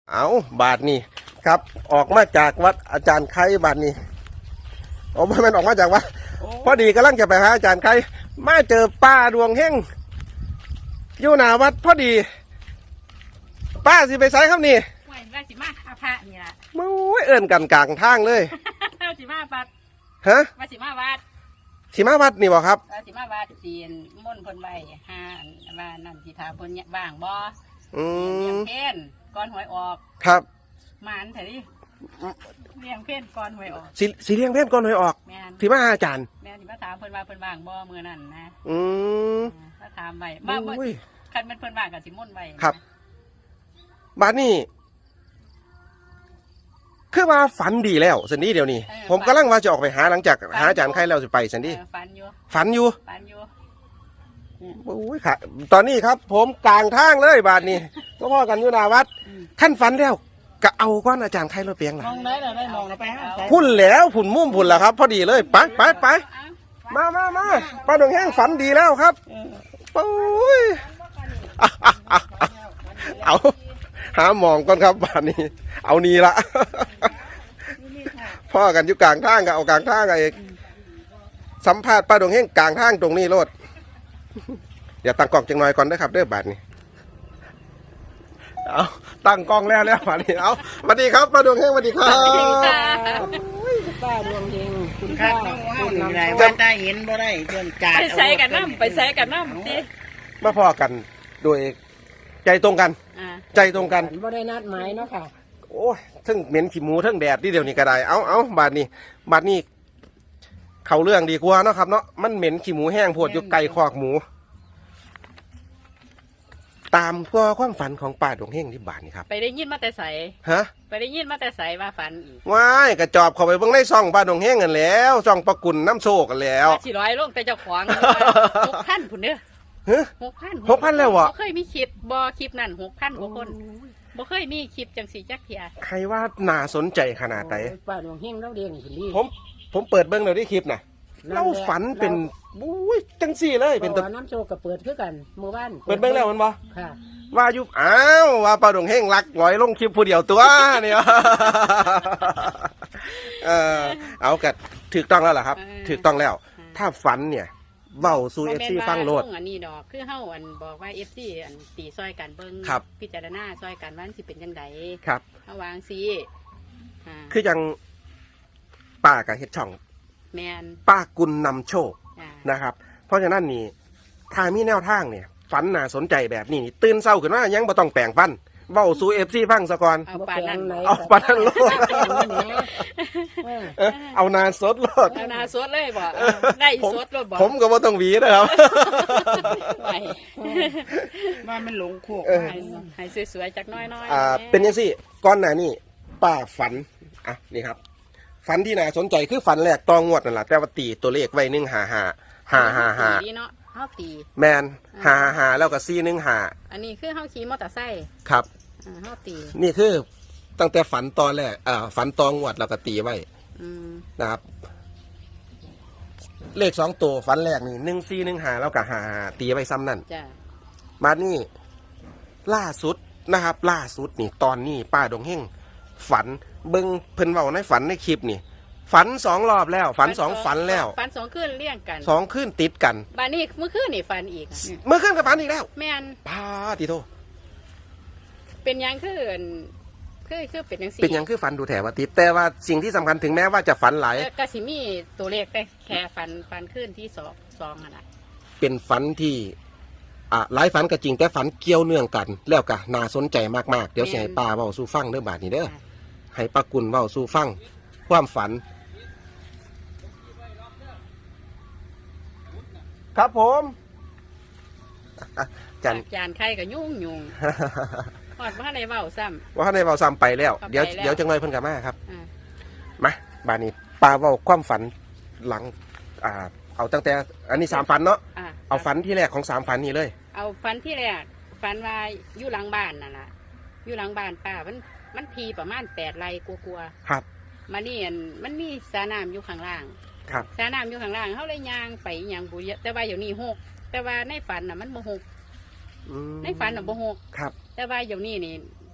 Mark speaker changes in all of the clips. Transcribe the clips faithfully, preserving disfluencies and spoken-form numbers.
Speaker 1: เอาบาทนี่ครับออกมาจากวัดอาจารย์ไข่บาทนี่โอ้ไม่มันออกมาจากวัดพอดีกำลังจะไปหาอาจารย์ไข่มาเจอป้าดวงเฮงอยู่หน้าวัดพอดีป้าสิไปไสครับนี่
Speaker 2: ไหวว่าสิมาอาพระนี่ล่ะ
Speaker 1: มู้ยเอิ่นกันกลางทางเลย
Speaker 2: เราสิมาวัด
Speaker 1: ฮะ
Speaker 2: ว่าสิมาวัด
Speaker 1: สิมาวัดนี่บ่ครับ
Speaker 2: ว่าสิมาวัดจีนม่นเพิ่นไว้ห้าว่านั่นสิถามเพิ่นเนี่ยว่างบ่
Speaker 1: อืม
Speaker 2: เลี้ยงเพนก่อนหวยออก
Speaker 1: ครับ
Speaker 2: หมานเถอะดิเลี้ยงเพนก่อนหวยออก
Speaker 1: สิสิเลี้ยงเพนก่อนหวยออก
Speaker 2: แม่น
Speaker 1: สิมาหาอาจารย์
Speaker 2: แม่นสิมาถามเพิ่นว่าเพิ่นว่างบ่มื้อนั้นนะ
Speaker 1: อืม
Speaker 2: ถ้าถามไว้บ่บ่คันมันเพิ่นว่างก็สิม่นไว้
Speaker 1: ครับบาดนี้คือว่าฝันดีแล้วสันนี้เดี๋ยวนี้ผมกำลังว่าจะออกไปหาหลังจากหาอาจารย์ไข่แล้วจะไปสันนี้
Speaker 2: ฝันอยู่
Speaker 1: ฝันอยู่
Speaker 2: ฝันอยู่
Speaker 1: โอ้ยค่ะตอนนี้ครับ ผมกลางทางเลยบาดนี้ก็พ่อกันอยู่หน้าวัดขั้นฝันแล้วก็เอาก้อนอาจารย์ไข่รถเปียงล่ะ
Speaker 2: มองได้แล้วได้มองแล้วไปหา
Speaker 1: พุ่นแล้วพุ่นมุ่มพุ่นแล้วครับ พอดีเลยไปไปไปมามามาป้าดวงแห้งฝันดีแล้วครับโอ้ยเอาหาหมองก่อนครับบาดนี้เอานี่ละพ่อกันอยู่กลางทางก็เอากลางทางไอ้สัมภาษณ์ป้าดวงเฮงกลางทางตรงนี้โลดเดี๋ยวตั้งกล้องจังหน่อยก่อนนะครับเด้อบาดนี้เอาตั้งกล้องแล้วแล้วบาดนี้เอาสวัสดีครับป้าดวงเฮงสวัสดีครับ
Speaker 3: ป้าดวงเฮงคุณ
Speaker 2: ค่
Speaker 3: ป้า
Speaker 2: คุณนำไร
Speaker 3: ว่าได้เห็นบ่ได้เพื่อนจ่า
Speaker 2: ไปใส่กันน้ำไปใส่กันน้ำดิ
Speaker 1: มาพ่อกันโดยใจตรงกันใจตรงกัน
Speaker 3: บ่ได้นัดหมายเนาะค่ะ
Speaker 1: โอ้ยทั้งเหม็นขี้หมูทั้งแดดที่เดี๋ยวนี้ก็ได้เอาเอาบาดนี้บาดนี้เขาเรื่องดีกว่าเนาะครับเนาะมันเหม็นขี้หมูแห้งพวดอยู่ไก่คอกหมูตามก็ความฝันของป้าดวงเฮงที่บาดนี่ครับ
Speaker 2: ไปได้ยินมาแต่ใส
Speaker 1: ฮะ
Speaker 2: ไปได้ยินมาแต่ใสว่าฝันอีก
Speaker 1: ว้ายกระจอบเข้าไปเบิ่งในซ่องป้าดวงเฮงกันแล้วซ่องประกุลน้ำโชคกันแล้ว
Speaker 2: สี่ร้อยลงแต่เจ้าของหกพันผุนเด้อหกพัน
Speaker 1: หกพันแล้ววะ
Speaker 2: เคยมีคลิปบอคลิปนั่นหกพันกว่าคนบ่เคยมีคลิปจังสีจักเทีย
Speaker 1: ใครว่าน่าสนใจขนาดไหน
Speaker 3: ป้าดวงเฮงเราเรียนสิลี
Speaker 1: ผมผมเปิดเบิ่งเลยที่คลิปน่ะเราฝันเป็นบุ้ยจังสี่เลยเป็น
Speaker 3: ตัวน้ำโชคกับเปิดคือกันหมู่บ้าน
Speaker 1: เปิดเบิ่งแล้วมันบ่
Speaker 3: ค่ะ
Speaker 1: ว่าอยู่อ้าวว่าป้าดวงเฮงรักร้อยลงคลิปผู้เดียวตัวเนี่ยเออเอากัดถูกต้องแล้วล่ะครับถูกต้องแล้วถ้าฝันเนี่ยเว้าสู่เอฟซีฟังโลด
Speaker 2: อันนี้ดอกคือเฮาอันบอกว่าเอฟซีอันตีซอยกันเบิ่งพิจารณาซอยกันว่าสิเป็นจังได
Speaker 1: ครับ
Speaker 2: เฮาวางซี
Speaker 1: คือยังป้ากับเฮ็ดช่อง
Speaker 2: แมน
Speaker 1: ป้ากุลนำโชคนะครับเพราะฉะนั้นนี่ถ้ามีแนวทางเนี่ยฝันน่าสนใจแบบนี้ตื่นเศร้าขึ้นมายังบ่ต้องแปลงฟันเว้าสู่เอฟซีฟังซะก่อน
Speaker 2: เอาปานั้น
Speaker 1: เอาปานั้นโลดเอานาสดโลด
Speaker 2: เอานาสดเลยบ่ได้สดโลดบ่
Speaker 1: ผมก็บ่ต้องหวีนะครับ
Speaker 3: ว่ามันหลงโคก
Speaker 2: ให้สวยๆจักน้อย
Speaker 1: ๆอ่าเป็นจังซี่ก่อนหน้านี้ป้าฝันอ่ะนี่ครับฝันที่น่าสนใจคือฝันแรกตองงวดนั่นแหละแต่ว่าตีตัวเลขไว้หนึ่งห้าห้าห้าห้าห้า
Speaker 2: ดีเนาะเฮาตี
Speaker 1: แมนห้าห้าแล้วก็สี่หนึ่งห้า
Speaker 2: อันนี้คือเฮาขี่มอเตอร์ไซค์
Speaker 1: ครับ
Speaker 2: เฮาตี
Speaker 1: นี่คือตั้งแต่ฝันตอนแรกอ่าฝันตองงวดแล้วก็ตีไว้นะครับเลขสองตัวฝันแรกนี่หนึ่งสี่หนึ่งห้าแล้วก็ห้าตีไว้ซ้ำนั่นมานี่ล่าสุดนะครับ ล่าสุดนี่ตอนนี้ป้าดงเฮงฝันเบิ้งเพิ่นเว้าในฝันในคลิปนี่ฝันสองรอบแล้วฝันสองฝันแล้ว
Speaker 2: ฝันสองคืนเลี่ยงกัน
Speaker 1: สองคืนติดกัน
Speaker 2: บ้านนี้เมื่อคืนนี่ฝันอีก
Speaker 1: เมื่อคืนก็ฝันอีกแล้ว
Speaker 2: แม่น
Speaker 1: พาติโต
Speaker 2: เป็นยังคือคือคือเป็นยัง
Speaker 1: สี่เป็นยังคือฝันดูแถวติดแต่ว่าสิ่งที่สำคัญถึงแม้ว่าจะฝันหลาย
Speaker 2: ก็สิมีตัวเลขแต่แค่ฝันฝันคืนที่สองสองอะไร
Speaker 1: เป็นฝันที่อ่าหลายฝันก็จริงแต่ฝันเกี่ยวเนื่องกันแล้วก็น่าสนใจมากๆเดี๋ยวสิให้ป้าเว้าสู่ฟังเด้อบาดนี้เด้อให้ป้ากุลเว้าสู่ฟังความฝันครับผม
Speaker 2: จานจานไข่กับยุ่งยุ่งหอดว่าในเบาซ้ำ
Speaker 1: ว่าในเบาซ้ำไปแล้วเดี๋ยวเดี๋ยวจังเลยเพิ่นกลับมาครับมาบานี้ปลาเว้าความฝันหลังอ่าเอาตั้งแต่อันนี้สามฝันเนาะเอาฝันที่แรกของสามฝันนี้เลย
Speaker 2: เอาฝันที่แรกฝันว่าอยู่หลังบ้านนั่นแหละอยู่หลังบ้านป้ามันมันทีประมาณแปดไร่กลัว
Speaker 1: ๆครับ
Speaker 2: มานี่มันมีสระน้ำอยู่ข้างล่าง
Speaker 1: ครับ
Speaker 2: สระน้ำอยู่ข้างล่างเขาเลยยางไปยางบุยแต่ว่าอยู่นี่หกแต่ว่าในฝันน่ะมันโมหกในฝันน่ะโมหก
Speaker 1: ครับ
Speaker 2: แต่ว่าอยู่นี่นี่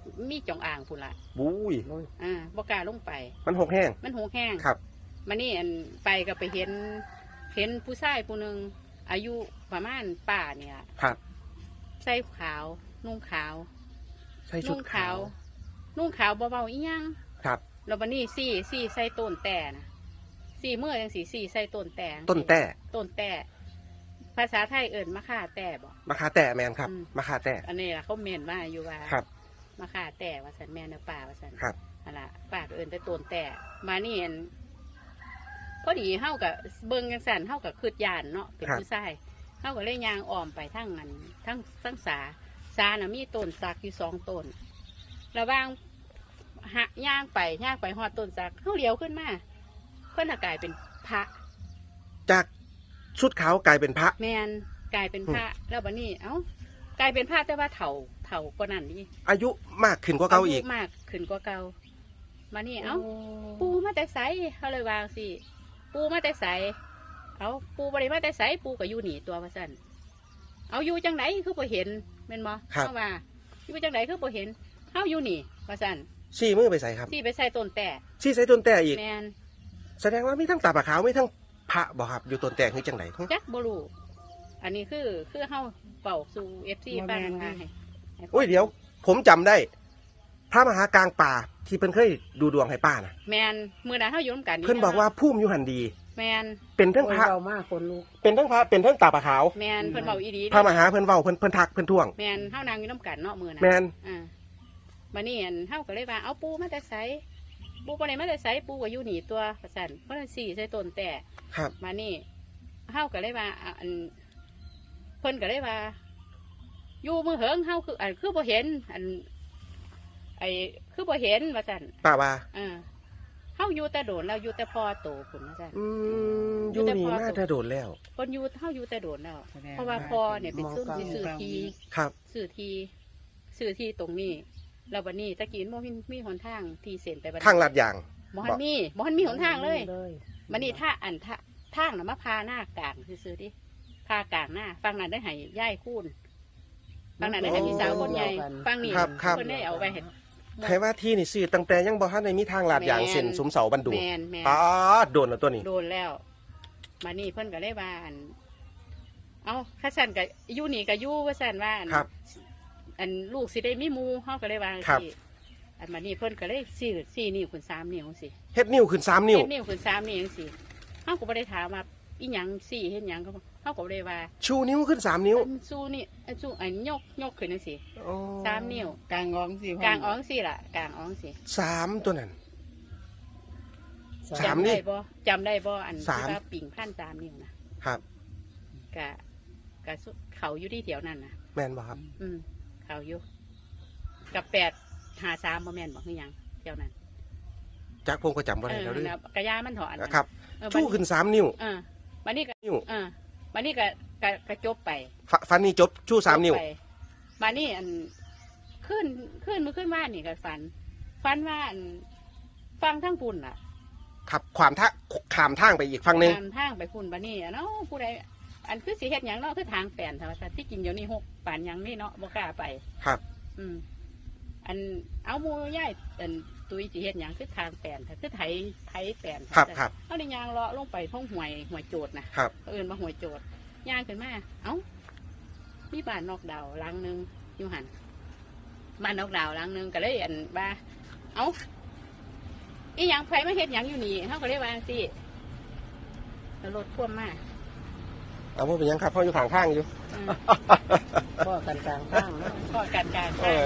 Speaker 2: มีจองอ่างพุ่นละ
Speaker 1: บุ้ย
Speaker 2: อ่าบ่กล้าลงไป
Speaker 1: มันหกแห้ง
Speaker 2: มันหูแห้ง
Speaker 1: ครับ
Speaker 2: มานี่อันไปก็ไปเห็นเห็นผู้ชายผู้หนึ่งอายุประมาณป่าเนี่ย
Speaker 1: ครับ
Speaker 2: ใส่ขาว นุ่งขาว
Speaker 1: ใส่ชุ
Speaker 2: นุ่
Speaker 1: ด
Speaker 2: ง
Speaker 1: ขาว
Speaker 2: นุ่งขาวเบาๆอีหยัง
Speaker 1: ครับ
Speaker 2: แล้ววันนี้สี่สี่ใส่ต้นแต่นะสี่เมื่อยังสี่สี่ใส่ต้นแต่
Speaker 1: ต้นแต่
Speaker 2: ต้นแต่ภาษาไทยเอิ่นมะข่าแต่บอก
Speaker 1: มะขาแต่แมนครับ
Speaker 2: อืม
Speaker 1: มะขาแต่
Speaker 2: อันนี้ล่ะเขาเมนว่าอยู่ว่า
Speaker 1: ครับ
Speaker 2: มะข่าแต่ว่าสันแม่นเนื้อป่าว่าสัน
Speaker 1: ครับ
Speaker 2: อันละป่าก็เอิ่นแต่ต้นแต่มานี่อันพอดีเฮากับเบิ่งจังสันเฮากับคืดยานเนาะเป็นผู้ชายเฮาก็เลยยางอ้อมไปทั้งนั้นทั้งทั้งสาสาน่ะมีต้นสักอยู่สองต้นระหว่างหะย่างไปย่างไปหอดต้นสักเฮาเลี้ยวขึ้นมาเพิ่นน่ะกลายเป็นพระ
Speaker 1: จากชุดขาวกลายเป็นพระ
Speaker 2: แมนกลายเป็นพระแล้วบัดนี้เอ้ากลายเป็นพระแต่ว่าเถ่าเถ่ากว่านั้นนี่
Speaker 1: อายุมากขึ้นกว่าเก่าอีก
Speaker 2: ยุมากขึ้นกว่าเก่ามานี่เอ้าปูมาแต่ไสเขาเลยวางสิปูมาแต่ไสเอาปูบริมาแต่ไสปูก็อยู่หนีตัวว่าสั่นเอาอยู่จังไหนคือบ่เห็นแม่นบ่
Speaker 1: ครับ
Speaker 2: เขาว่าอยู่จังไหนคือบ่เห็นเฮาอยู่นี่ว่าสั่น
Speaker 1: ชี้มือไปใส่ครับ
Speaker 2: ที่ไปใส่ต้นแต่
Speaker 1: ชี้ใส่ต้นแต่อีก
Speaker 2: แมน
Speaker 1: แสดงว่ามีทั้งตาปลาขาวมีทั้งพระบ่ครับอยู่ต้นแต่คือจังไหน
Speaker 2: จักบ่รู้อันนี้คือคือเฮาเป่าสู่ เอฟ ซี ฟังมาให้ให้
Speaker 1: โอ้ยเดี๋ยว ผมจำได้ พระมหากลางป่าที่เพิ่นเคยดูดวงให้ป้านะ
Speaker 2: แมนมือนั้นเฮาอยู่นำกัน
Speaker 1: เพิ่นบอกว่าพุ่มอยู่หันดี
Speaker 2: แมน
Speaker 1: เป็นทั้ง
Speaker 3: โอ้ย
Speaker 1: พระ
Speaker 3: เรามากคนลูก
Speaker 1: เป็นทั้งพระเป็นทั้งตาปลาขาว
Speaker 2: แมนเพิ่นเบาอีดี
Speaker 1: พระมหาเพิ่นเว้าเพิ่นเพิ่นทักเพิ่นท่วง
Speaker 2: แมนเฮานางอยู่น้ำกันเนาะมือนั้น
Speaker 1: แมน
Speaker 2: อ่ามานี่อันเฮาก็เลยว่าเอาปูมาแต่ไสปูบ่ได้มาแต่ไสปูก็อยู่หนีตัวประสันเพราะนั้นสี่ใส่ต้นแต่
Speaker 1: ครับ
Speaker 2: มานี่เฮาก็เลยว่าอ่ะอันเพิ่นก็เลยว่า อยู่มือเหิงเฮาคืออันคือบ่เห็น อัน ไอ้คือบ่เห็นว่าซั่น
Speaker 1: ป้าว่า
Speaker 2: อ่าเฮาอยู่แต่โดนแล้วอยู่แต่พอโตพุ่นว่าซั่น
Speaker 1: อืมอยู่นี่น่าจะโดนแล้ว
Speaker 2: เพิ่นอยู่เฮาอยู่แต่โดนแล้ว เพราะว่าพอเนี่ยเป็นซุ่มที่ซื้อที
Speaker 1: ครับ
Speaker 2: ซื้อทีซื้อที่ตรงนี้แล้ววันนี้ตะกี้บ่มีมีหนทางที่เส้นไปบัดนี้
Speaker 1: ทางลาดยาง
Speaker 2: บ่ทันมีบ่ทันมีหนทางเลย
Speaker 3: เลย
Speaker 2: มันนี่ถ้าอันทะทางน่ะมาพาหน้ากลางซื่อๆดิพากลางหน้าฟังนั้นได้ให้ย่ายคูนฟังนั้นได้ให้พี่สาวคนใหญ่ฟังนี่
Speaker 1: ครับครับ
Speaker 2: เพิ่นได้เอาไปเห็น
Speaker 1: ให้ว่าที่นี่ซื้อตั้งแต่ยังบ่ทันได้มีทางลาดยาง
Speaker 2: แม่น
Speaker 1: เส้นสุมเสาบันดุง
Speaker 2: แมนแมน
Speaker 1: อ๋อโดนแล้วตัวนี้
Speaker 2: โดนแล้ว มานี่เพิ่นก็เลยว่าอันเอาข้าสันกับยู่นี่กับยู่ว่าสันว่าอัน
Speaker 1: ครับ
Speaker 2: อันลูกสิได้มีหมูเฮาก็เลยว่า
Speaker 1: ครับ
Speaker 2: สิอันมานี่เพิ่นก็เลยสี่สี่นิ้วขึ้นสามนิ้วสิ
Speaker 1: เฮ็ดนิ้วขึ้นสามนิ้ว
Speaker 2: เฮ็ดนิ้วขึ้นสามนิ้วจังสิเฮาก็บ่ได้ถามว่าอีหยังสี่เฮ็ดหยังเขาเฮาก็บ่ได้ว่า
Speaker 1: ชูนิ้วขึ้นสามนิ้ว
Speaker 2: อันสู้นี่อันสู้อันยกยกขึ้นจังสิ
Speaker 1: โอ้
Speaker 2: สามนิ้ว
Speaker 3: กลางงองสิ
Speaker 2: กลางอ้องสิล่ะกลางอ้องสิ
Speaker 1: สามตัวนั้น สาม
Speaker 2: จำ
Speaker 1: นี่
Speaker 2: ได้บ่จำได้บ่อัน
Speaker 1: สาม
Speaker 2: ที่ว่าปิ่งพันสามนิ้วนะครับ กะกะสุเขาอยู่ที่แถวนั้นนะ
Speaker 1: แม่นบ่ครับ
Speaker 2: อืมเขาอยู่กับแปดหาสามบ่แม่นบอกคือหยังเที่ยวนั้น
Speaker 1: จักผมก็จำบ่
Speaker 2: เอ
Speaker 1: ได้
Speaker 2: อ
Speaker 1: แล้วเด้วย
Speaker 2: นะกระยามันถอน
Speaker 1: ครับ
Speaker 2: เออ
Speaker 1: ชูขึ้นสามนิ้ว
Speaker 2: เออวันนี้ก็
Speaker 1: นิ้ว
Speaker 2: เออวันนี้ก็ก็ก็จบไป
Speaker 1: ฟฟันนี่จบชูสามนิ้ว
Speaker 2: จบไปมานี่อันขึ้นขึ้นมือขึ้นว่านี่ก็ฝันฝันว่าอันฟังทั้งปุ่นล่ะ
Speaker 1: ครับความท่าขามทางไปอีกฝั่งหนึง
Speaker 2: ตามทางไปปุ่นบันนี้อะเนาะผู้ใดอันคือสิเฮ็ดหยังเนาะคือทางแปลนธรรมชาติที่กินเดี๋ยวนี้หกป่านหยังนี่เนาะบ่กล้าไป
Speaker 1: ครับ
Speaker 2: อืมอันเอาหมูย่ายอันตุยสิเฮ็ดหยังคือทางแปลนค่ะคือไถไถแปลน
Speaker 1: ครับครับ
Speaker 2: เอาในยางเลาะลงไปท้องห่วยห่วยโจดนะครับ เอื่นมาห่วยโจดย่างขึ้นมาเอ้ามีบ้านนอกดาวหลังหนึงอยู่หันบ้านนอกดาวหลังหนึงก็เลยอันว่าเอ้าอีหยังไผมาเฮ็ดหยังอยู่นี่เฮาก็เลยว่าจังซี่แล้วรถพ่วงมา
Speaker 1: เอาว่าเป็นหยังครับเพราะอยู่ข้างข้างอยู่
Speaker 2: อืม
Speaker 3: พ่อกันกลางข้างเนาะ
Speaker 2: ก็การการ
Speaker 1: เออ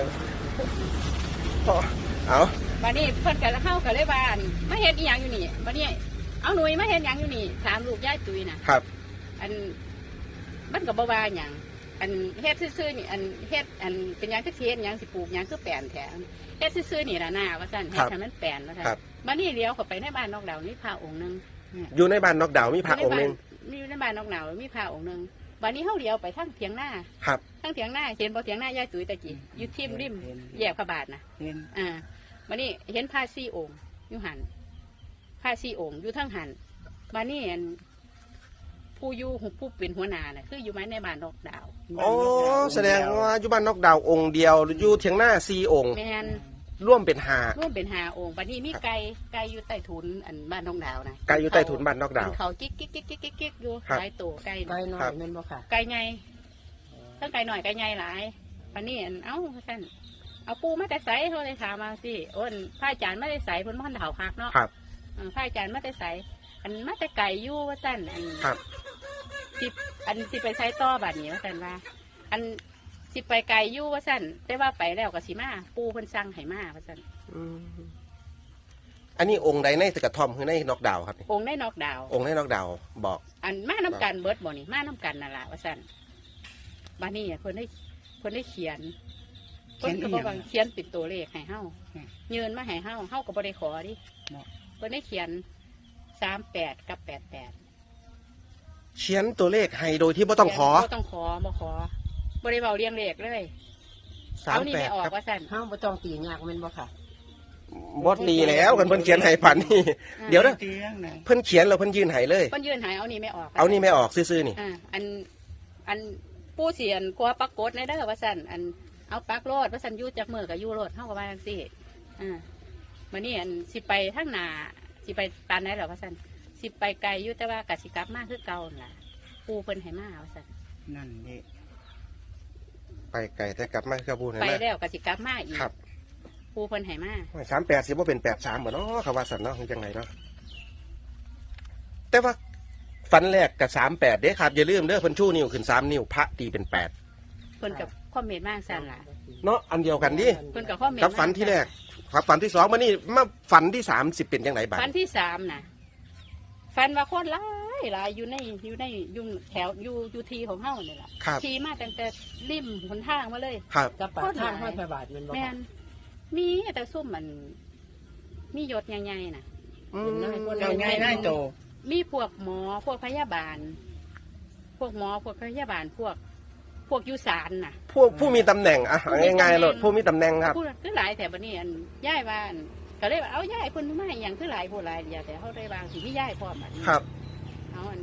Speaker 1: เอา
Speaker 2: บัดนี้เพิ่นก็เข้าก็เลยว่าอั่นมาเฮ็ดอีหยังอยู่นี่บัดนี้เอาหนุ่ยมาเฮ็ดหยังอยู่นี่ถามลูกยายตุ้ยน่ะ
Speaker 1: ครับ
Speaker 2: อันมันก็บ่ว่าหยังอันเฮ็ดซื่อๆนี่อันเฮ็ดอันเป็นหยังคือสิเฮ็ดหยังสิปลูกหยังคือแปลนแท้เฮ็ดซื่อๆนี่ล่ะหน้าว่าซั่นเฮ็ดให้มันแปลนว่าซั่น
Speaker 1: ครับ
Speaker 2: บัดนี้เลี้ยวเข้าไปในบ้านนอกดาวนี่พระองค์หนึง
Speaker 1: อยู่ในบ้านนอกดาวมีพระองค์หนึง
Speaker 2: มีอยู่ในบ้านนอกดาวมีพระองค์หนึงบัดนี้เฮาเลี้ยวไปทางเถียงหน้า
Speaker 1: ครับ
Speaker 2: ทางเถียงหน้าเห็นบ่เถียงหน้ายายตุ้ยตะกี้อยู่ทิ่มริมแยกพระบาทน่ะ
Speaker 3: เห็น
Speaker 2: อ่ามานี่เห็นผ้าซี่องค์อยู่หันผ้าซี่องค์อยู่ทั้งหันมานี่อันผู้อยู่ผู้เป็นหัวหน้าน่ะคืออยู่ไม้ในบ้านนอกดาว
Speaker 1: โอ้แสดงว่าอยู่บ้านนอกดาวองค์เดียวอยู่เถียงหน้าสี่องค์
Speaker 2: แม่น
Speaker 1: ร่วมเป็นหา
Speaker 2: ร่วมเป็นห้าองค์บัดนี้มีไก่ไก่อยู่ใต้ถุนอันบ้านนอกดาวนะ
Speaker 1: ไก่อยู่ใต้ถุนบ้านนอกดาว
Speaker 2: เขากิ๊กกิ๊กกิ๊กกิ๊กกิ๊กกิ๊กอยู่
Speaker 1: ครับ
Speaker 2: หลายตัวไก่
Speaker 3: ไกล
Speaker 2: น่ะ
Speaker 3: หน่อยแม่นบ่ค่ะ
Speaker 2: ไก่ใหญ่ทั้งไก่หน่อยไก่ใหญ่หลายบัดนี้อันเอ้าท่านเอาปูมาแต่ใสเขาเลยถามมาสิโอ้นพระอาจารย์ไม่ได้ใสเพิ่นมันเถาคักเนาะ
Speaker 1: ครับ
Speaker 2: เออพระอาจารย์มาแต่ใสอันมาแต่ไก่อยู่ว่าสั่นอัน
Speaker 1: ครับ
Speaker 2: สิอันสิไปใช้ต่อบัดนี้ว่าสั่นว่า อันสิไปไก่อยู่ว่าสั่นแต่ว่าไปแล้วก็สิมาปูเพิ่นสั่งให้มาว่าสั่น
Speaker 1: อืมอันนี้องค์ใดในตะกระท่อมคือในนอกดาวครับนี่
Speaker 2: องค์ได้นอกดาว
Speaker 1: องค์ในนอกดาวบอก
Speaker 2: อันมาน้ำกันเบิดบ่นี่มาน้ำกันนั่นล่ะว่าสั่นบัดนี้เพิ่นได้เพิ่นได้เขียนเพิ่นก็บอกว่าเขียนเป็นตัวเลขให้เฮายืนมาให้เฮาเฮาก็บ่ได้ขอดิเพิ่นได้เขียนสามแปดกับแปดแปด
Speaker 1: เขียนตัวเลขให้โดยที่ไม่ต้องขอ
Speaker 2: บ่ต้องขอบ่ขอบ่ได้เว้าเรียงเลขเลย
Speaker 1: สาม
Speaker 2: เอานี่
Speaker 1: แป
Speaker 2: ไม่
Speaker 1: ด
Speaker 2: ออก
Speaker 1: ครับ
Speaker 2: ว่าสั่น
Speaker 3: ห้ามบ่ต้องตียากแม่นบ่ค่ะ
Speaker 1: บอสตีแล้วกันเพิ่นเขียนให้ผ่านนี่ เดี๋ยวนะ
Speaker 4: ตีเรื่องไหน
Speaker 1: เพิ่นเขียนแล้วเพิ่นยืนให้เลย
Speaker 2: เพิ่นยืนหายเอานี่ไม่ออก
Speaker 1: เอานี่ไม่ออกซื่อๆนี่
Speaker 2: อ่าอันอันผู้เสียนกลัวปักกดในเด้อว่าสั่นอันเอาปักโลดว่าสั่นอยู่จากมือกับอยู่โลดเฮาก็ว่าจังซี่อ่ามื้อนี้อันสิไปทางหน้าสิไปปานไหนเหรอว่าสั่นสิไปไกลอยู่แต่ว่ากสิกลับมาคือเก่านั่นล่ะปูเพิ่นให้มาว่าสั่น
Speaker 4: นั่นเด็
Speaker 1: ไปไกลแต่กลับมาคือบูนะ
Speaker 2: ไป
Speaker 1: นะ
Speaker 2: แล้วกสิกลับมาอีก
Speaker 1: ครับ
Speaker 2: ปูเพิ่นให้มา
Speaker 1: สามแปดสิบ่เป็นแปดสามบ่เนาะคำว่าสันเนาะคือจังไงเนาะแต่ว่าฟันแรกกับสามแปดเด้ครับอย่าลืมเด้อเพิ่นชูนิ้วขึ้นสามนิ้วพระตีเป็นแปด
Speaker 2: เพิ่นกับคอมเมนต์มาสั่นล่ะ
Speaker 1: เนาะอันเดียวกันดิ
Speaker 2: เพิ่นกับคอมเมนต์
Speaker 1: กับฝันที่แรกครับฝันที่สองมานี่มาฝันที่สามสิบเป็นยังไงบ้าง
Speaker 2: ฟันที่สามน่ะฟันว่าโคตรหลายหลายอยู่ในอยู่ในอยู่แถวอยู่อยู่ทีของเฮาเนี่ยแหละ
Speaker 1: ครับ
Speaker 2: ทีมาตั้งแต่ริมหนทางมาเลย
Speaker 1: ครับ
Speaker 3: กับปากทางห้อยพระบาทแม่นบ่
Speaker 2: แม่
Speaker 3: ค่ะ
Speaker 2: นมีแต่ซุ่มมัน มียศใหญ่ๆน่ะ
Speaker 1: อืม
Speaker 4: เจ้าใหญ่ได้โต
Speaker 2: มีพวกหมอพวกพยาบาล พวกหมอพวกพยาบาลพวก พวกอยุสานน่ะ
Speaker 1: ผู้ผู้มีตำแหน่งอะง่ายๆเลยผู้มีตำแหน่งครับ
Speaker 2: พูดคือหลายแต่บัดนี้อันย่ายว่าอันก็เลยว่าเอาย่ายเพิ่นมาให้หยังคือหลายผู้หลายเดียวแต่เขาได้บางสิมีย่ายพร้อมบัดนี้
Speaker 1: ครับ
Speaker 2: เอาอัน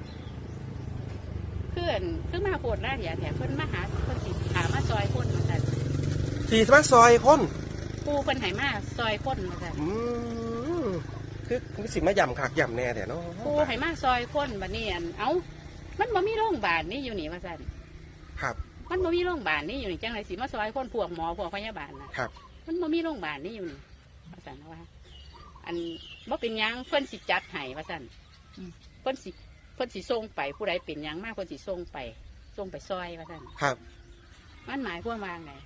Speaker 2: เพื่อนคือมาโคตรหน้าเดียวแต่เพิ่นมาหาเพิ่นสิหามาซอยคนมาสั่น
Speaker 1: สี่สมาซอยคน
Speaker 2: ปูเพิ่นให้มาซอยคนมาสั่น
Speaker 1: อืมคือคือสิมาย่ำขากย่ำแน่แต่เนาะ
Speaker 2: ปูให้มาซอยคนบัดนี้อันเอ้ามันบ่มีโรงพยาบาลนี่อยู่นี่ว่าสั่น
Speaker 1: ครับ
Speaker 2: มันบ่มีโรงพยาบาลนี่อยู่นี่จังไรสิมาซอยคนพวกหมอพวกพยาบาลน่ะ
Speaker 1: ครับ
Speaker 2: มันบ่มีโรงพยาบาลนี่อยู่นี่ว่าสั่นว่า อันบ่เป็นหยังเพิ่นสิจัดให้ว่าสั่นเพิ่นสิเพิ่นสิส่งไปผู้ใดเป็นหยังมากเพิ่นสิส่งไปส่งไปซอยว่าสั่น
Speaker 1: ครับ
Speaker 2: มันหมายความว่าไง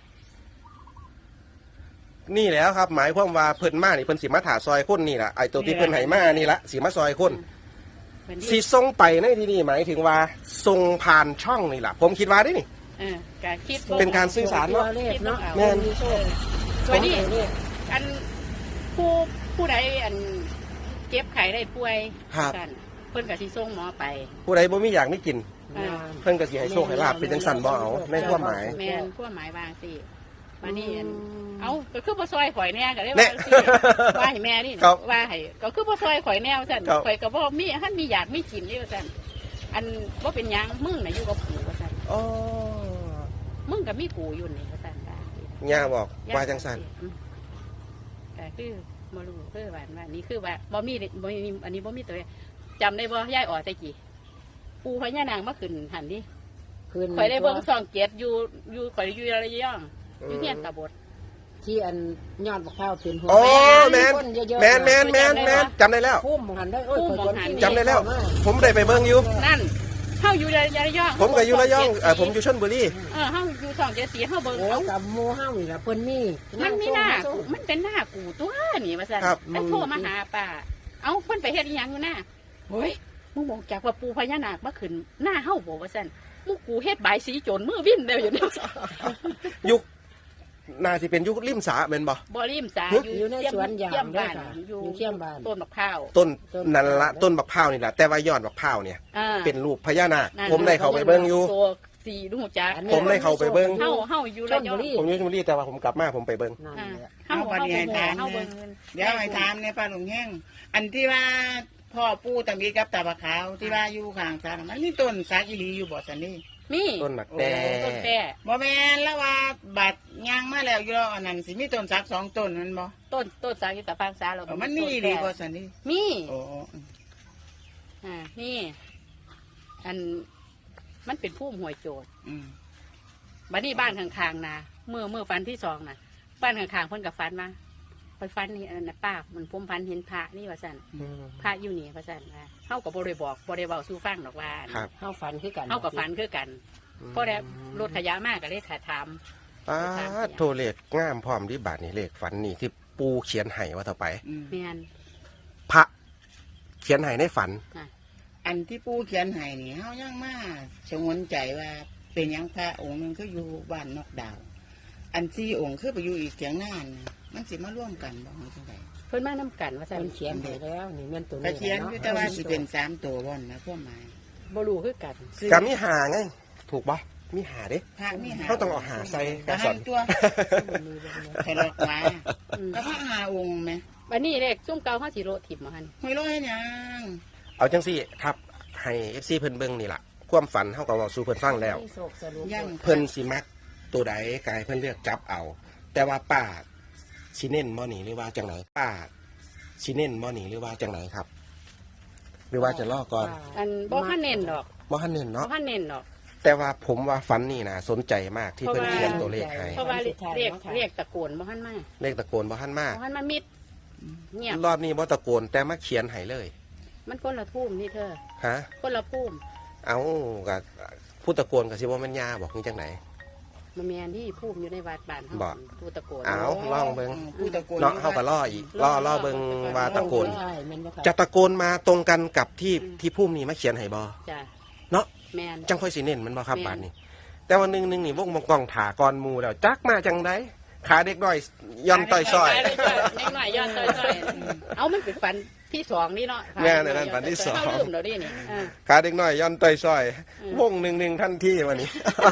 Speaker 1: นี่แหล้วครับ หมายความว่าเพิ่นมานี่เพิ่นสิมาถาซอยคนนี่แหละไอ้ตัวที่เพิ่นไหมานี่ละสิมาซอยคน
Speaker 2: เหมือน
Speaker 1: สิ
Speaker 2: ที่
Speaker 1: ส่งไปในที่นี่หมายถึงว่าส่งผ่านช่องนี่แหละผมคิดว่าได้นี่
Speaker 2: เออการคิด
Speaker 1: เป็นการสื่อสารเนาะ
Speaker 3: ตัวเลขเนาะ
Speaker 1: แม่น
Speaker 3: มีโชค
Speaker 2: วันนี้
Speaker 3: ตัวเลข
Speaker 2: อันผู้ผู้ใดอันเจ็บไข้ได้ป่วย
Speaker 1: ครับ
Speaker 2: กันเพิ่นก็สิส่งหมอไป
Speaker 1: ผู้ใดบ่มีอยากไม่กิน
Speaker 2: อ่า
Speaker 1: เพิ่นก็สิให้โชคให้ลาบเป็นจังสันบ่เอาในความหมาย
Speaker 2: แม่นความหมายบางสิวันนี้อันเอาก็คือบ่ซอยข่อยแน่ก็ได้
Speaker 1: แน่
Speaker 2: ว่าสิว่าให้แม่นี่
Speaker 1: ครับ
Speaker 2: ว่าให้ก็คือบ่ซอยข่อยแนวซั่น
Speaker 1: ครับ
Speaker 2: ข่อยก็บ่มีท่านมีอยากมีกินนี่ว่าซั่นอันบ่เป็นหยังมึงน่ะอยู่กับกูว่าซั่น
Speaker 1: อ๋อ
Speaker 2: มึงก็มีกูอยู่นี่ว่าซั่นว่าสิ
Speaker 1: ย่าบอกว่าจังสัน
Speaker 2: อืมก็คือบ่รู้คือว่าว่านี่คือว่าบ่มีบ่มีอันนี้บ่มีตัวเลขจำได้บ่ยายอ๋อแต่กี้ปูพญานางมาขึ้นหันดิ
Speaker 3: คืน
Speaker 2: ข่อยได้เบิ่งซองเกียรติอยู่อยู่ข่อยอยู่ระยองอยู่เฮียนตาบด
Speaker 3: ที่อันยอดบักพร้าวเป็นหัว
Speaker 1: โอ้แมน
Speaker 3: คนเยอะๆ
Speaker 1: แมนแมนแมนแมนจำได้แล้ว
Speaker 3: พุ่มหันได้โอ้ย
Speaker 2: พุ่ม
Speaker 3: ข่อย
Speaker 2: หัน
Speaker 3: ที่
Speaker 1: จำได้แล้ว
Speaker 3: เข้ามา
Speaker 1: ผมได้ไปเบิ่งอยู่
Speaker 2: นั่นเฮาอยู่ระยอง
Speaker 1: ผมก็อยู่ระยองเออผมอยู่ชลบุรี
Speaker 2: เออเฮาอยู่ซองเกียรติสีเฮาเบิ่ง
Speaker 3: โอ้
Speaker 2: เอา
Speaker 3: กับหมูห้านี่แหละเพิ่นมี
Speaker 2: มันมีหน้า
Speaker 3: ส่ง
Speaker 2: กูมันเป็นหน้ากูตัวนี่ว่าซั่น
Speaker 1: ครับ
Speaker 2: ไปโทรมาหาป้าเอ้าเพิ่นไปเฮ็ดอีหยังอยู่หน้าเฮ้ยมึงบอกจากว่าปูพญานาคมาขึ้นหน้าเฮาบ่ว่าซั่นมึงกูเฮ็ดบายสีโจรมือวิ่นเด้ออยู่นี่
Speaker 1: ยุคน่าสิเป็นยุคริมสาแม่นบ่
Speaker 2: บ่ริมสา
Speaker 1: หึ
Speaker 2: อยู่
Speaker 3: อยู่ในสวนยาง
Speaker 2: เยี่ยม
Speaker 3: ด้วย
Speaker 2: บ้าน
Speaker 3: ค่ะ
Speaker 2: อยู่
Speaker 3: อยู่เที่ยมบ้าน
Speaker 2: ต้นมะพร้าว
Speaker 1: ต้นนั่นละต้นบักพร้าวนี่แหละแต่ว่ายอดบักพร้าวเนี่ย
Speaker 2: อ่า
Speaker 1: เป็นรูปพญานาค
Speaker 2: นั่น
Speaker 1: ผมได้เข้าไปเบิ่งอยู่
Speaker 2: ตัวสีดูจัก
Speaker 3: อันนี้
Speaker 1: ผมได้เข้าไปเบิ่ง
Speaker 2: เฮาเฮาอยู่ระยอง
Speaker 1: ผมอยู่ชลบุรีแต่ว่าผมกลับมาผมไปเบิ่ง
Speaker 3: นั่น
Speaker 2: อ่า
Speaker 3: แหละ
Speaker 2: เฮาเฮาบ่ฮู้เฮาเบิ่ง
Speaker 4: เดี๋ยวไอ้ถามในปลาหลงแห้งอันที่ว่าพ่อปู่ตะมีกับตาบะขาวที่ว่าอยู่ข้างศาลมันมีต้นสักอีหลีอยู่บ่สันนี่
Speaker 2: มี
Speaker 1: ต้นหมักแต่
Speaker 2: ต้นแต่
Speaker 4: บ่แม่นแล้วว่าบัดย่างมาแล้วอยู่แล้วอันนั้นสิมีต้นสักสองต้นแมันบ่
Speaker 2: ต้นต้นสากิตาฟังสาเรา
Speaker 4: เออมันมีอีหลีบ่สันนี่
Speaker 2: มี
Speaker 4: โอ้
Speaker 2: อ่านี่อันมันเป็นผู้ห่วยโจร
Speaker 4: อืม
Speaker 2: บัดนี้บ้านข้างๆนะเมื่อเมื่อฟันที่สองนะบ้านข้างๆเพิ่นกับฟันมาไปฟันนี่อันนั้นนะป้ามันผมพันเห็นพระนี่ว่าสั่นพระอยู่นี่ว่าสั่นว่าเฮากับ่ได้บอกบ่ได้เว้าสู่ฟังดอกว่า
Speaker 1: ครับ
Speaker 3: เข้าฝันคือกัน
Speaker 2: เฮากับฟันคือกันเพราะได้รถขยะมากก็เลยขาถาม
Speaker 1: ป้าดโทรเลขงามพร้อมที่บาทนี่เลขฝันนี่ที่ปูเขียนให้ว่าเท่าไป
Speaker 4: อืม
Speaker 2: แม่น
Speaker 1: พระเขียนให้ในฝัน
Speaker 4: อันที่ปู่เขียนให้นี่เฮายังมาชงนใจว่าเป็นหยังพระองค์หนึงคืออยู่บ้านนอกดาว อันสี่องค์คือไปอยู่อีกเถียงหน้าน่ะมันสิมาร่วมกันบ่จังได๋
Speaker 2: เพิ่นมานํกันว่าซั่น
Speaker 3: มันเขียนไปแล้วนี่แม่นตัว
Speaker 4: ก็
Speaker 3: นี้
Speaker 4: เขียนอยู่แต่ว่าสิเป็นสามตัวบ่นนะความหมาย
Speaker 2: บ่รู้คือกัน
Speaker 1: กามีหาไง ถูกปะมีหาเด้
Speaker 4: พระมีหา
Speaker 1: เขาต้องเอาหาใส่ก
Speaker 4: ก
Speaker 1: ระ
Speaker 4: ระ
Speaker 1: ส
Speaker 4: ส
Speaker 1: อ
Speaker 4: อน นตัวใครหลอกมา
Speaker 2: อืม
Speaker 4: ก็พระหาองค์ไหม
Speaker 2: บัดนี้เลขซุ่มเก่าเฮาสิโลถิ่มมาหั่น
Speaker 4: ไม่รู้ให้หยัง
Speaker 1: เอาจังสี่ครับ ให้เอฟซีเพิ่นเบิ่งนี่ล่ะ ความฝันเขาก็เว้าสู่เพิ่นฟังแล้ว
Speaker 3: ที่โศกสรุป
Speaker 4: ยัง
Speaker 1: เพิ่นสิมักตัวใดกายเพิ่นเลือกจับเอา แต่ว่าป้าชิเน่นบ่หนีหรือว่าจังไหนป้าชิเน่นบ่หนีหรือว่าจังไหนครับ หรือว่าจะล่อก่อน
Speaker 2: อันบ่คันเน้นดอก
Speaker 1: บ่ทันเน่น
Speaker 2: บ่
Speaker 1: เนาะ
Speaker 2: คันเน้นดอก
Speaker 1: แต่ว่าผมว่าฝันนี่นะสนใจมากที่เพิ่นเขียนตัวเลขให้
Speaker 2: เพราะว่าเรียกเรียกตะโกนบ่ทันมา
Speaker 1: เลขตะโกนบ่ทันมา
Speaker 2: บ่ทันมามิดเงียบ
Speaker 1: รอบนี้บ่ตะโกนแต่มาเขียนให้เลย
Speaker 2: มันคนละทุ่มนี่เธอ
Speaker 1: ฮะ
Speaker 2: คนละพุ่ม
Speaker 1: เอาก็ผู้ตะโกนก็สิว่าแม่นยาบอกนี่จังไหน
Speaker 2: มันมีอันที่พุ่มอยู่ในวัดบ้านเฮา
Speaker 1: บ่
Speaker 2: ผู้ตะโกน
Speaker 1: เอา ลองเบิ่ง
Speaker 4: ผู้ตะโกน
Speaker 1: เนาะเฮาก็ล่ออีกล่อล่อเบิ่งว่าตะโกน
Speaker 3: ใช่แม่นบ่ครับ
Speaker 1: จะตะโกนมาตรงกันกับที่ที่พุ่มนี่มาเขียนให้บ่
Speaker 2: จ้ะ
Speaker 1: เนาะ
Speaker 2: แม่น
Speaker 1: จังค่อยสิเน้นมันบ่ครับ
Speaker 2: แม่น
Speaker 1: บาดนี้ แต่วันหนึงหนึงนี่วงมังกองถาก่อนหมู่แล้วจักมาจังไดขาเด็กน้อยย่อนต่อยซอย
Speaker 2: เล็กน้อยย้อนต่อยๆเอามันเป็นฝันที่สองนี่เนาะ
Speaker 1: แม่นอันนั้นฝันที่สอง
Speaker 2: เฮาลืมแล้วดินี่อ่า
Speaker 1: ขาเด็กน้อยย่อนต่อยซอย
Speaker 2: อืม
Speaker 1: วงหนึ่งหนึ่งทันทีวันนี้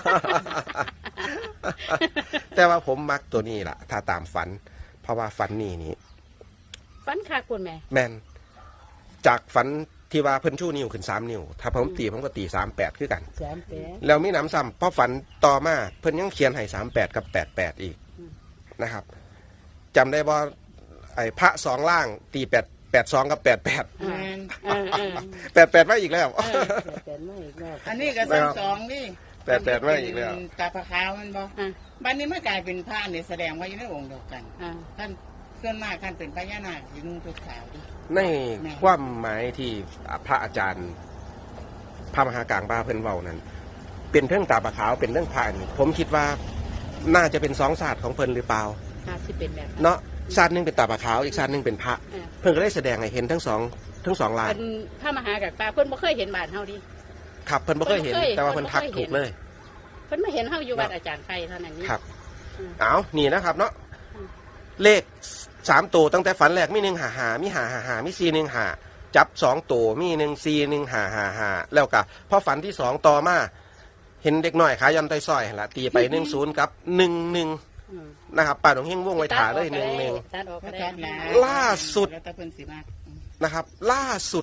Speaker 1: แต่ว่าผมมักตัวนี้ล่ะ ถ้าตามฝัน เพราะว่าฝันนี่นี่
Speaker 2: ฝันคักคุณแม่
Speaker 1: แมนจากฝันที่ว่าเพิ่นชูนิ้วขึ้นสามนิ้ว ถ้าผมตีผมก็ตีสามแปดคือกัน
Speaker 3: สามแปด
Speaker 1: แล้วมีหนำซ้ำเพราะฝันต่อมาเพิ่นยังเขียนให้สามแปดกับแปดแปดอีกนะครับจำได้ว่าไอ้พระสองล่างตีแปดแปดสองกับแปดแปด
Speaker 4: แม่น
Speaker 2: เออเออ
Speaker 1: แปดแปดมาอีกแล้ว
Speaker 3: แปดแปดไม่อีกแล้ว
Speaker 4: อันนี้ก็สองสองนี่
Speaker 1: แปดแปดมาอีกแล้ว
Speaker 4: ตาพระขาวมันบ่
Speaker 2: อ่า
Speaker 4: บัดนี้มันกลายเป็นพระนี่แสดงว่าอยู่ในองค์เดียวกัน
Speaker 2: อ่า
Speaker 4: ท่านส่วนมากท่านเป็นพญานาคสินุ่งชุดขาวดิ
Speaker 1: ในความหมายที่พระอาจารย์ พระมหากลางบ้าเพิ่นเว้านั้น เป็นเรื่องตาปะขาวเป็นเรื่องพระนี่ผมคิดว่าน่าจะเป็นสองศาสตร์ของเพิ่นหรือเปล่า
Speaker 2: น่าสิเป็นแบบนั้น
Speaker 1: เนาะศาสตร์หนึงเป็นตาปะขาวอีกศาสตร์หนึงเป็นพระ
Speaker 2: เออ
Speaker 1: เพิ่นก็ได้แสดงให้เห็นทั้งสองทั้งสองลาย
Speaker 2: เป็นพระมหากักปลาเพิ่นบ่เคยเห็นบ้านเฮาดิ
Speaker 1: ครับเพิ่นบ่เคยเห็น
Speaker 2: เพิ่นบ่เคย
Speaker 1: แต่ว่าเพิ่นทัก
Speaker 2: เพิ่นบ่เคย
Speaker 1: ถูกเลย
Speaker 2: เพิ่นมาเห็นเฮาอยู่วัดอาจารย์ไข่เท่านั้นนี่
Speaker 1: ครับ
Speaker 2: อืม
Speaker 1: เอานี่นะครับเนาะ
Speaker 2: อืม
Speaker 1: เลขสามตัวตั้งแต่ฝันแรกมีหนึ่งหาหามีหาหาหามีสี่หนึ่งหาจับสองตัวมีหนึ่งสี่หนึ่งหาหาหาแล้วก็พอฝันที่สองต่อมาเห็นเด็กน้อยขายันไตซอยหั่นละตีไปหนึ่งศูนย์กับหนึ่งหนึ่ง
Speaker 2: อืม
Speaker 1: นะครับป่าดงเฮงว่องไว้ถาเลยหนึ่งหนึ่ง
Speaker 2: ตัดออก
Speaker 4: พ
Speaker 2: ก็
Speaker 4: ระ
Speaker 2: ได้
Speaker 4: จัดนะ
Speaker 1: ล่าสุด
Speaker 4: แล้วแต่เพิ่นสิมาก
Speaker 1: นะครับ ล่าสุด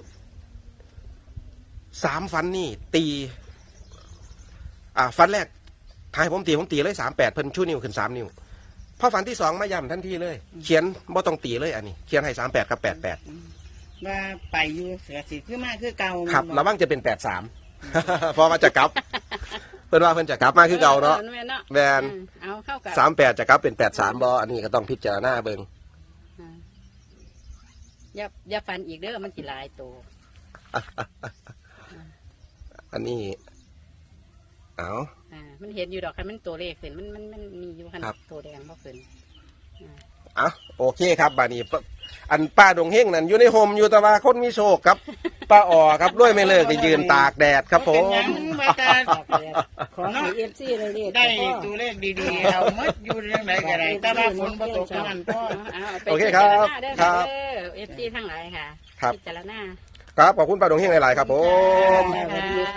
Speaker 1: สามฟันนี่ตี อ่าฟันแรกทายผมตีผมตีเลยสามแปดเพิ่นชูนิ้วขึ้นสามนิ้วพอฟันที่สองมาย่ำทันทีเลย เขียนบ่ต้องตีเลยอันนี้ เขียนให้สามแปดกับแปดแปด
Speaker 4: ว่าไปอยู่เสือสิคือมากคือเก่า
Speaker 1: ครับ
Speaker 4: มัน
Speaker 1: ระวังจะเป็นแปดสาม เพอมาจะกลับ เพิ่นว่าเพิ่นจะกลับมาคือเก่าเนาะ
Speaker 2: ออแม่นเนาะ
Speaker 1: แม่น
Speaker 2: อืมเอาเข้ากับ
Speaker 1: สามแปดจะกลับเป็นแปดสามบออันนี้ก็ต้องพิจารณาเบิ่ง
Speaker 2: อ่าอย่าอย่าฟันอีกเด้อมันสิหลายตัว
Speaker 1: อันนี้ เอา
Speaker 2: อ่ามันเห็นอยู่ดอกคันมันตัวเลขขึ้นมันมันมันมีอยู่คัน
Speaker 1: ครับ
Speaker 2: ตัวแดงบ่ขึ้น
Speaker 1: เอาโอเคครับบานี้ปอันป้าดงเฮงนั่นอยู่ในโฮมอยู่แต่ว่าคนมีโชคครับ ป้าอ๋อครับด้วยไม่เลิกที่ยืนตากแดดครับผ
Speaker 4: เป็น
Speaker 1: ม
Speaker 4: หยังว่าแต่
Speaker 3: ของให้เอฟซีเลยเรียก
Speaker 4: ได้ตัวเลขดีๆเอาหมดอยู่เรื่องใดก็ได้แต่ว่าฝนบ่ตกเท่านั้นพอ
Speaker 2: เอาเอาไป
Speaker 1: โอเคครับ
Speaker 2: พิจาณาเด้อ
Speaker 1: ครับ
Speaker 2: เด้อเอฟซีทั้งหลายค่ะ
Speaker 1: ครับ
Speaker 2: พิจารณา
Speaker 1: ครับขอบคุณป้าดงเฮงหลายๆครับผม
Speaker 2: ค่ะ